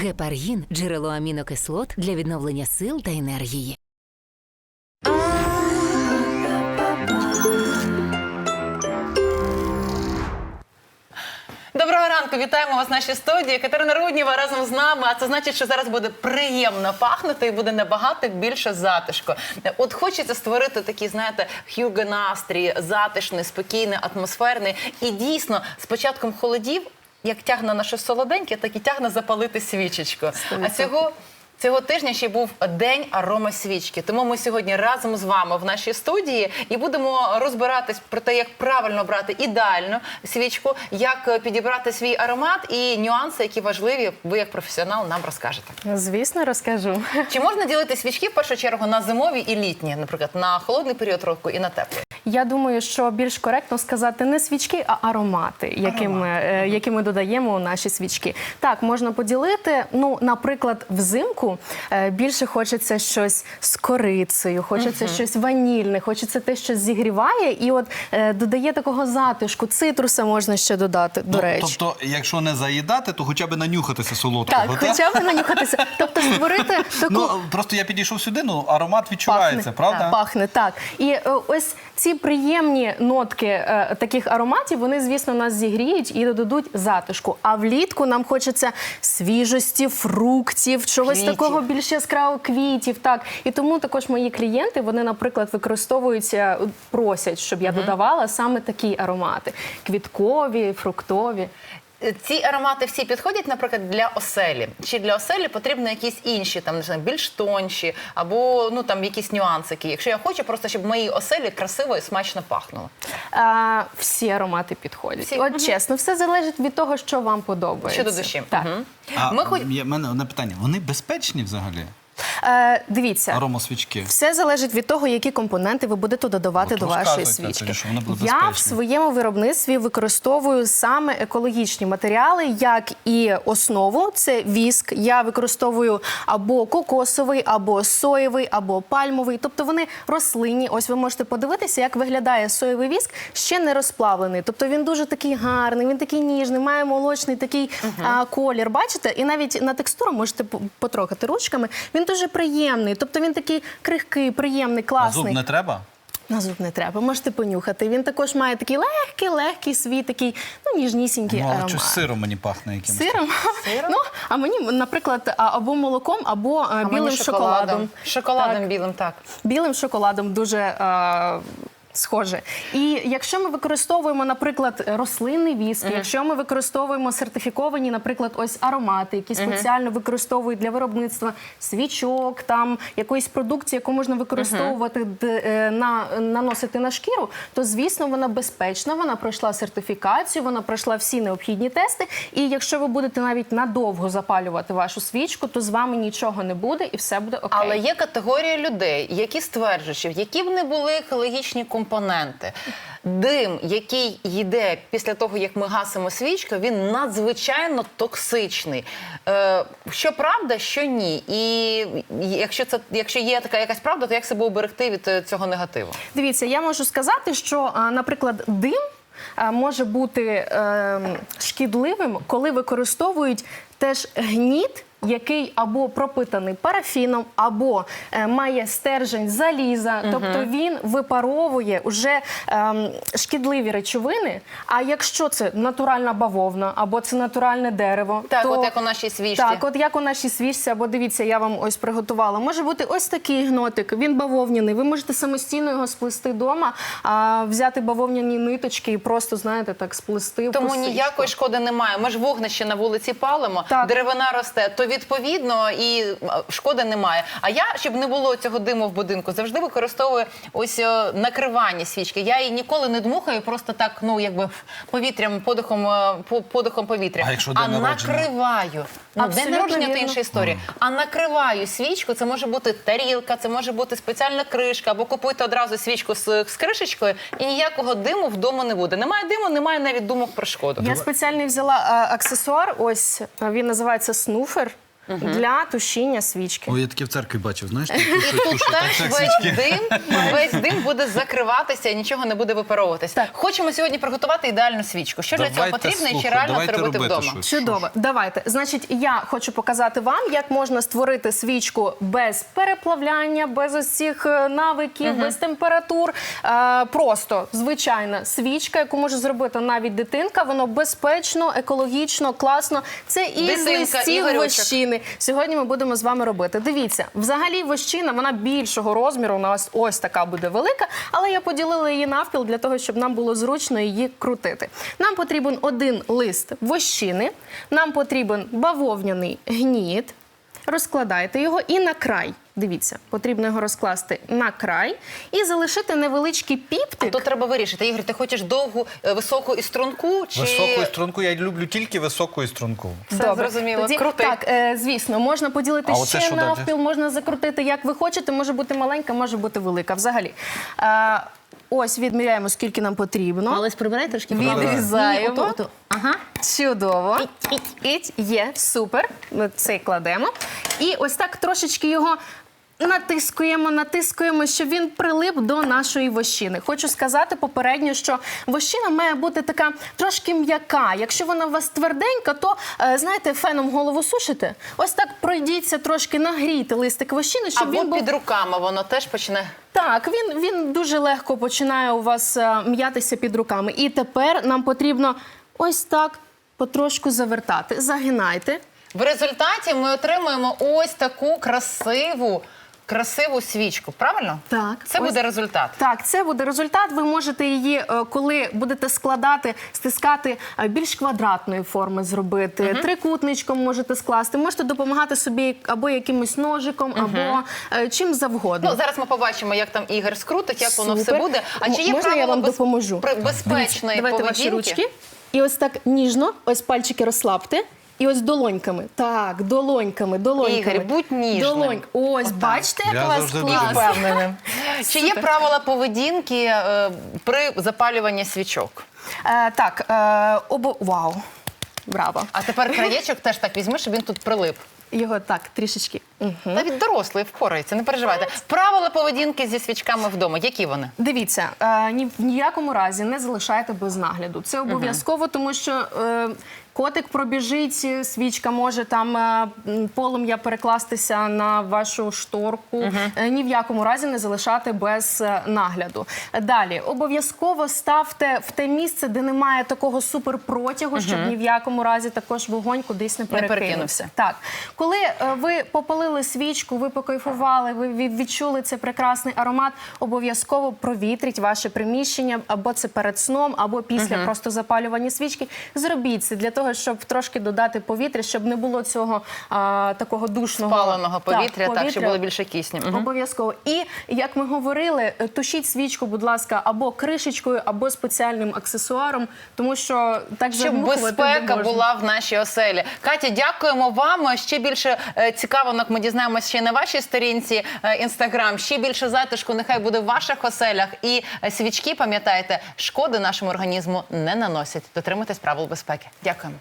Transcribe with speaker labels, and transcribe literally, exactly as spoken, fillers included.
Speaker 1: Гепаргін – джерело амінокислот для відновлення сил та енергії.
Speaker 2: Доброго ранку, вітаємо вас в нашій студії. Катерина Руднєва разом з нами, а це значить, що зараз буде приємно пахнути і буде набагато більше затишку. От хочеться створити такий, знаєте, хюго настрій, затишний, спокійний, атмосферний. І дійсно, з початком холодів, як тягне на щось солоденьке, так і тягне запалити свічечку. А цього... Цього тижня ще був День аромасвічки. Тому ми сьогодні разом з вами в нашій студії і будемо розбиратись про те, як правильно брати ідеальну свічку, як підібрати свій аромат і нюанси, які важливі, ви як професіонал нам розкажете.
Speaker 3: Звісно, розкажу.
Speaker 2: Чи можна ділити свічки в першу чергу на зимові і літні, наприклад, на холодний період року і на теплий?
Speaker 3: Я думаю, що більш коректно сказати не свічки, а аромати, які ми, е, які ми додаємо у наші свічки. Так, можна поділити. Ну, наприклад, взимку е, більше хочеться щось з корицею, хочеться uh-huh. щось ванільне, хочеться те, що зігріває, і от е, додає такого затишку. Цитруса можна ще додати, до
Speaker 4: ну,
Speaker 3: речі.
Speaker 4: Тобто, якщо не заїдати, то хоча б нанюхатися солодкого.
Speaker 3: Так, хоча б нанюхатися. Тобто створити таку...
Speaker 4: Ну, просто я підійшов сюди, ну, аромат відчувається,
Speaker 3: пахне,
Speaker 4: правда?
Speaker 3: Так, пахне, так. І е, ось ці приємні нотки е, таких ароматів, вони, звісно, нас зігріють і додадуть затишку. А влітку нам хочеться свіжості, фруктів, чогось
Speaker 2: квітів.
Speaker 3: такого більш яскравого, квітів. Так. І тому також мої клієнти, вони, наприклад, використовуються, просять, щоб я угу. додавала саме такі аромати. Квіткові, фруктові.
Speaker 2: Ці аромати всі підходять, наприклад, для оселі? Чи для оселі потрібні якісь інші, там, не знаю, більш тонші, або, ну, там, якісь нюансики? Якщо я хочу просто, щоб в моїй оселі красиво і смачно пахнуло.
Speaker 3: А, всі аромати підходять.
Speaker 2: Всі?
Speaker 3: От
Speaker 2: Угу.
Speaker 3: чесно, все залежить від того, що вам подобається.
Speaker 2: Що до душі.
Speaker 3: Так.
Speaker 2: Угу.
Speaker 4: А
Speaker 2: Ми хоч...
Speaker 4: в мене одне питання. Вони безпечні взагалі?
Speaker 3: Е, дивіться,
Speaker 4: аромасвічки.
Speaker 3: Все залежить від того, які компоненти ви будете додавати
Speaker 4: От
Speaker 3: до вашої
Speaker 4: розказуйте
Speaker 3: свічки.
Speaker 4: тоді, що вони будуть
Speaker 3: Я в
Speaker 4: безпечні.
Speaker 3: своєму виробництві використовую саме екологічні матеріали, як і основу, це віск. Я використовую або кокосовий, або соєвий, або пальмовий. Тобто вони рослинні. Ось ви можете подивитися, як виглядає соєвий віск, ще не розплавлений. Тобто він дуже такий гарний, він такий ніжний, має молочний такий uh-huh. а, колір. Бачите? І навіть на текстуру можете потрогати ручками. Він дуже приємний, тобто він такий крихкий, приємний, класний.
Speaker 4: А зуб не треба?
Speaker 3: На зуб не треба, можете понюхати. Він також має такий легкий, легкий свій, такий, ну, ніжнісінький
Speaker 4: Ну, але
Speaker 3: аромат.
Speaker 4: щось сиром мені пахне якимось.
Speaker 3: Сиром?
Speaker 2: Сиром?
Speaker 3: Ну, а мені, наприклад, а, або молоком, або а,
Speaker 2: А
Speaker 3: білим
Speaker 2: мені
Speaker 3: шоколадом.
Speaker 2: Шоколадом
Speaker 3: Так.
Speaker 2: білим, так.
Speaker 3: Білим шоколадом дуже а, схоже. І якщо ми використовуємо, наприклад, рослинний віск, uh-huh. якщо ми використовуємо сертифіковані, наприклад, ось аромати, які спеціально uh-huh. використовують для виробництва свічок, там якоїсь продукції, яку можна використовувати, uh-huh. д, на, наносити на шкіру, то, звісно, вона безпечна, вона пройшла сертифікацію, вона пройшла всі необхідні тести. І якщо ви будете навіть надовго запалювати вашу свічку, то з вами нічого не буде і все буде окей.
Speaker 2: Але є категорія людей, які стверджують, що які б не були екологічні компоненти, компоненти. Дим, який йде після того, як ми гасимо свічку, він надзвичайно токсичний. Е, що правда, що ні. І якщо, це, якщо є така якась правда, то як себе уберегти від цього негативу?
Speaker 3: Дивіться, я можу сказати, що, наприклад, дим може бути е, шкідливим, коли використовують теж гніт, який або пропитаний парафіном, або е, має стержень заліза, uh-huh. тобто він випаровує вже е, шкідливі речовини. А якщо це натуральна бавовна, або це натуральне дерево,
Speaker 2: так,
Speaker 3: то...
Speaker 2: от як у нашій свічці.
Speaker 3: Так, от як у нашій свічці, або дивіться, я вам ось приготувала. Може бути ось такий гнотик, він бавовняний. Ви можете самостійно його сплести вдома, а, взяти бавовняні ниточки і просто, знаєте, так сплести в
Speaker 2: Тому
Speaker 3: косичку.
Speaker 2: ніякої шкоди немає. Ми ж вогнище на вулиці палимо, так. деревина росте, то відповідно і шкоди немає. А я, щоб не було цього диму в будинку, завжди використовую ось о, накривання свічки. Я її ніколи не дмухаю, просто так, ну, якби повітрям, подихом, подихом повітря.
Speaker 4: А якщо
Speaker 2: а
Speaker 4: день народження?
Speaker 2: накриваю. Ну, день народження – це інша історія. Mm. А накриваю свічку, це може бути тарілка, це може бути спеціальна кришка, або купуйте одразу свічку з, з кришечкою, і ніякого диму вдома не буде. Немає диму, немає навіть думок про шкоду.
Speaker 3: Я спеціально взяла а, аксесуар, ось, він називається снуфер. для тушіння свічки.
Speaker 4: Ой, я таке в церкві бачив, знаєш?
Speaker 2: І тут теж весь дим, весь дим буде закриватися і нічого не буде випаровуватися.
Speaker 3: Так.
Speaker 2: Хочемо сьогодні приготувати ідеальну свічку. Що для цього
Speaker 4: Давайте,
Speaker 2: потрібно і чи
Speaker 4: слухай,
Speaker 2: реально
Speaker 4: давайте
Speaker 2: це робити
Speaker 4: робити
Speaker 2: вдома?
Speaker 4: щось.
Speaker 3: Чудово. Давайте. Значить, я хочу показати вам, як можна створити свічку без переплавляння, без ось цих е, навиків, без температур. Е, просто звичайна свічка, яку може зробити навіть дитинка. Воно безпечно, екологічно, класно. Це і з
Speaker 2: Дитинка,
Speaker 3: листів
Speaker 2: Ігорючок.
Speaker 3: вощини. Сьогодні ми будемо з вами робити. Дивіться, взагалі вощина, вона більшого розміру, у нас ось така буде велика, але я поділила її навпіл для того, щоб нам було зручно її крутити. Нам потрібен один лист вощини, нам потрібен бавовняний гніт. Розкладайте його і на край. Дивіться, потрібно його розкласти на край і залишити невеличкий піптик.
Speaker 2: Тут треба вирішити. Ігор, ти хочеш довгу, е, високу і струнку? Чи...
Speaker 4: Високу струнку, я люблю тільки високу і струнку.
Speaker 2: Все зрозуміло.
Speaker 3: Тоді,
Speaker 2: Крути.
Speaker 3: так, е, звісно, можна поділити
Speaker 4: А оце
Speaker 3: ще
Speaker 4: що далі?
Speaker 3: навпіл, можна закрутити, як ви хочете. Може бути маленька, може бути велика. Взагалі. Е, ось відміряємо, скільки нам потрібно.
Speaker 1: Олесь, прибирай трошки.
Speaker 3: Відрізаємо.
Speaker 1: Ото, ото. Ага.
Speaker 3: Чудово. Іть, є, супер. Ми цей кладемо. І ось так трошечки його натискуємо, натискуємо, щоб він прилип до нашої вощини. Хочу сказати попередньо, що вощина має бути така трошки м'яка. Якщо вона у вас тверденька, то, е, знаєте, феном голову сушите. Ось так пройдіться трошки, нагрійте листик вощини, щоб
Speaker 2: Або
Speaker 3: він був...
Speaker 2: під руками воно теж почне.
Speaker 3: Так, він, він дуже легко починає у вас е, м'ятися під руками. І тепер нам потрібно ось так потрошку завертати. Загинайте.
Speaker 2: В результаті ми отримуємо ось таку красиву, красиву свічку. Правильно?
Speaker 3: Так.
Speaker 2: Це
Speaker 3: Ось-
Speaker 2: буде результат.
Speaker 3: Так, це буде результат. Ви можете її, е, коли будете складати, стискати е, більш квадратної форми зробити, трикутничком можете скласти, можете допомагати собі або якимось ножиком, або е, чим завгодно.
Speaker 2: Ну, зараз ми побачимо, як там Ігор скрутить, як воно все
Speaker 3: Супер.
Speaker 2: буде. А чи є
Speaker 3: Можна я
Speaker 2: правила
Speaker 3: вам
Speaker 2: без-
Speaker 3: допоможу?
Speaker 2: при- безпечної
Speaker 3: Давайте
Speaker 2: поведінки?
Speaker 3: ваші ручки. І ось так ніжно, ось пальчики розслабте. І ось долоньками. Так, долоньками, долоньками.
Speaker 2: Ігор, будь ніжним.
Speaker 3: Долонь. Ось, бачите, як
Speaker 4: Я
Speaker 3: у вас
Speaker 4: завжди дуже
Speaker 3: класно.
Speaker 2: Впевненим. Чи є правила поведінки е, при запалюванні свічок?
Speaker 3: Е, так, е, обо... Вау. Браво.
Speaker 2: А тепер краєчок теж так візьми, щоб він тут прилип.
Speaker 3: Його так, трішечки. Угу.
Speaker 2: Навіть дорослий впорається, не переживайте. Правила поведінки зі свічками вдома, які вони?
Speaker 3: Дивіться, е, ні в ніякому разі не залишайте без нагляду. Це обов'язково, тому що е, котик пробіжить, свічка може там е, м, полум'я перекластися на вашу шторку. Е, ні в якому разі не залишати без е, нагляду. Далі, обов'язково ставте в те місце, де немає такого суперпротягу, щоб ні в якому разі також вогонь кудись не перекинувся.
Speaker 2: перекинувся.
Speaker 3: Так, коли е, ви попалили свічку, ви покайфували, ви ві- відчули цей прекрасний аромат, обов'язково провітріть ваше приміщення, або це перед сном, або після просто запалювання свічки. Зробіть це для того, щоб трошки додати повітря, щоб не було цього а, такого душного
Speaker 2: Спаленого повітря, так, щоб було більше кисню. Мгм.
Speaker 3: Обов'язково. І, як ми говорили, тушіть свічку, будь ласка, або кришечкою, або спеціальним аксесуаром, тому що так
Speaker 2: Щоб
Speaker 3: задмухувати не
Speaker 2: безпека
Speaker 3: можна.
Speaker 2: була в нашій оселі. Катя, дякуємо вам. Ще більше е, цікавинок ми дізнаємося ще й на вашій сторінці Інстаграм. Ще більше затишку нехай буде в ваших оселях. І е, свічки, пам'ятайте, шкоди нашому організму не наносять. Дотримуйтесь правил безпеки. Дякуємо.